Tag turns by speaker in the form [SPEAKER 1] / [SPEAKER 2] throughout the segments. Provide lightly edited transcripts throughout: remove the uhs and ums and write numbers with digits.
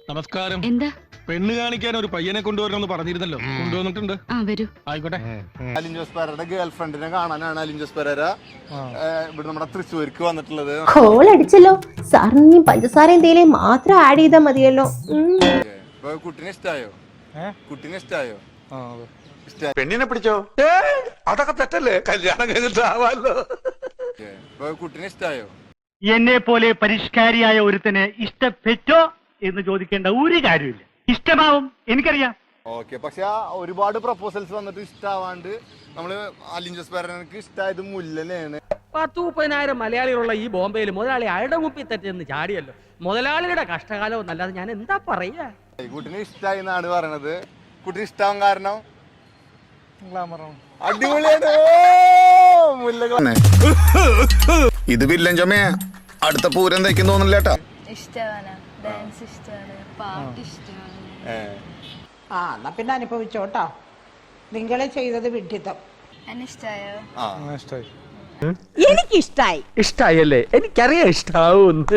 [SPEAKER 1] നമസ്കാരം.
[SPEAKER 2] എന്താ?
[SPEAKER 1] പെണ്ണ് കാണിക്കാൻ ഒരു പയ്യനെ കൊണ്ടുവരണമെന്ന് പറഞ്ഞിരുന്നല്ലോ. കൊണ്ടുവന്നിട്ടുണ്ട്.
[SPEAKER 2] വരൂ.
[SPEAKER 1] ആയിക്കോട്ടെ.
[SPEAKER 3] അലിൻ ജോസ് പെരേരയുടെ ഗേൾ ഫ്രണ്ടിനെ കാണാനാണ് അലിൻ ജോസ് പെരേര ഇവിടെ നമ്മുടെ തൃശ്ശൂർക്ക് വന്നിട്ടുള്ളത്.
[SPEAKER 4] കോൾ അടിച്ചല്ലോ സാറിന് പഞ്ചസാരയും തേയിലയും മാത്രം ആഡ് ചെയ്താൽ മതിയല്ലോ.
[SPEAKER 3] കുട്ടിനെ ഇഷ്ടായോ? കുട്ടിനെ ഇഷ്ടായോ?
[SPEAKER 5] പെണ്ണിനെ പിടിച്ചോ? അതൊക്കെ തെറ്റല്ലേ? കല്യാണം കഴിഞ്ഞിട്ടാവാലോ.
[SPEAKER 3] കുട്ടിനെ ഇഷ്ടായോ?
[SPEAKER 6] എന്നെ പോലെ പരിഷ്കാരിയായ ഒരുത്തന് ഇഷ്ടപ്പെട്ടോ എന്ന് ചോദിക്കേണ്ട ഒരു കാര്യമില്ല. ഇഷ്ടമാവും, എനിക്കറിയാം.
[SPEAKER 3] ഓക്കെ, പക്ഷെ ഒരുപാട് പ്രപ്പോസൽസ് വന്നിട്ട് ഇഷ്ടാവാണ്ട് നമ്മള് അലിൻ ജോസ് പെരേരക്ക് ഇഷ്ടായത് മുല്ലനെയാണ്.
[SPEAKER 7] 10-30,000 മലയാളികളുള്ള ഈ ബോംബെയിൽ മുതലാളി അയാളുടെ മുപ്പിൽ തെറ്റെന്ന് ചാടിയല്ലോ. മുതലാളിയുടെ കഷ്ടകാലം എന്നല്ലാതെ ഞാൻ എന്താ പറയാ.
[SPEAKER 3] കുട്ടിനെ ഇഷ്ടായി എന്നാണ് പറയണത്. കുട്ടിന് ഇഷ്ടാവാൻ കാരണം അടിപൊളിയാണ്.
[SPEAKER 5] ഇത് വില്ലൻ ചമയ അടുത്ത പൂരം തയ്ക്കും തോന്നില്ല കേട്ടാ.
[SPEAKER 8] എന്നാ പിന്നെ അനുഭവിച്ചോട്ടോ. നിങ്ങളെ ചെയ്തത് വിഡ്ഢിത്തം.
[SPEAKER 7] എനിക്കിഷ്ടായി. ഇഷ്ടായല്ലേ? എനിക്കറിയാം ഇഷ്ടാവൂന്ന്.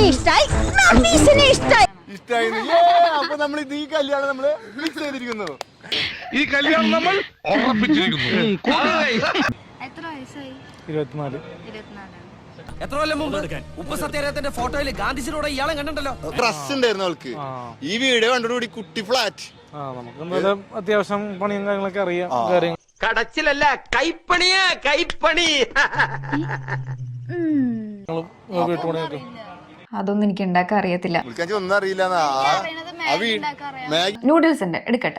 [SPEAKER 3] ഇഷ്ടായി. അപ്പൊ നമ്മൾ ഇത് ഈ കല്യാണം നമ്മള് ഫിക്സ് ചെയ്തിരിക്കുന്നു.
[SPEAKER 1] ഈ കല്യാണം നമ്മൾ ഉറപ്പിച്ചിരിക്കുന്നു.
[SPEAKER 7] എത്ര കൊല്ലം മുമ്പ് ഉപ്പ് സത്യാഗ്രഹത്തിന്റെ ഫോട്ടോയിൽ ഗാന്ധിജിയോടെ ഇയാളെ കണ്ടിട്ടുണ്ടല്ലോ.
[SPEAKER 3] ട്രസ്റ്റ് ഉണ്ടായിരുന്നു അവൾക്ക്. ഈ വീഡിയോ കണ്ടോടുകൂടി കുട്ടി ഫ്ലാറ്റ്.
[SPEAKER 9] അത്യാവശ്യം പണിയും കാര്യങ്ങളൊക്കെ അറിയാം.
[SPEAKER 7] കടച്ചിലല്ല, കൈപ്പണിയാ, കൈപ്പണി.
[SPEAKER 2] അതൊന്നും എനിക്ക് ഉണ്ടാക്കാൻ അറിയത്തില്ല.
[SPEAKER 3] ഒന്നും അറിയില്ല.
[SPEAKER 2] നൂഡിൽസ് ഉണ്ട്, എടുക്കട്ടെ.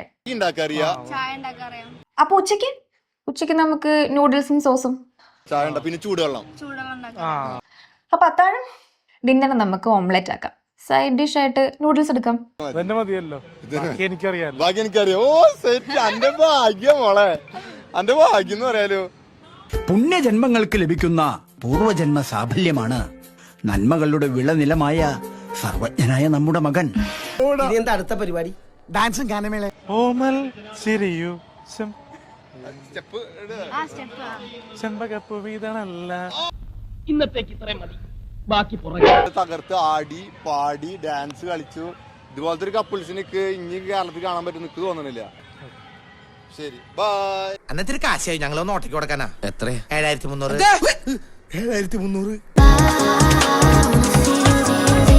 [SPEAKER 2] അപ്പൊ ഉച്ചക്ക് നമുക്ക് നൂഡിൽസും സോസും
[SPEAKER 3] ചായ പിന്നെ ചൂടുവെള്ളം.
[SPEAKER 2] അപ്പൊ അത്താഴം ഡിന്നർ നമുക്ക് ഓംലെറ്റ് ആക്കാം. സൈഡ് ഡിഷ് ആയിട്ട് നൂഡിൽസ് എടുക്കാം.
[SPEAKER 9] എനിക്കറിയാം.
[SPEAKER 3] Oh set. അന്റെ ഭാഗ്യം മോളെ, അന്റെ ഭാഗ്യം എന്ന് പറയാലോ.
[SPEAKER 10] പുണ്യജന്മങ്ങൾക്ക് ലഭിക്കുന്ന പൂർവജന്മ സാഫല്യമാണ് നന്മകളുടെ വിളനിലമായ സർവജ്ഞനായ നമ്മുടെ മകൻ.
[SPEAKER 7] എന്താ അടുത്ത പരിപാടി?
[SPEAKER 10] ഡാൻസും ഗാനമേള.
[SPEAKER 9] ഓമൽ ചിരിയൂ
[SPEAKER 7] ഇന്നത്തേക്ക് ഇത്രയും മതി, ബാക്കി
[SPEAKER 3] തകർത്ത് ആടി പാടി ഡാൻസ് കളിച്ചു. ഇതുപോലത്തെ ഒരു കപ്പിൾസിനൊക്കെ ഇനി കേരളത്തിൽ കാണാൻ പറ്റും എനിക്ക് തോന്നണില്ല. ശരി, ബൈ.
[SPEAKER 10] അന്നത്തെ കാശായി ഞങ്ങളൊന്ന് ഓട്ടയ്ക്ക് കൊടുക്കാനാ. എത്ര? 7300.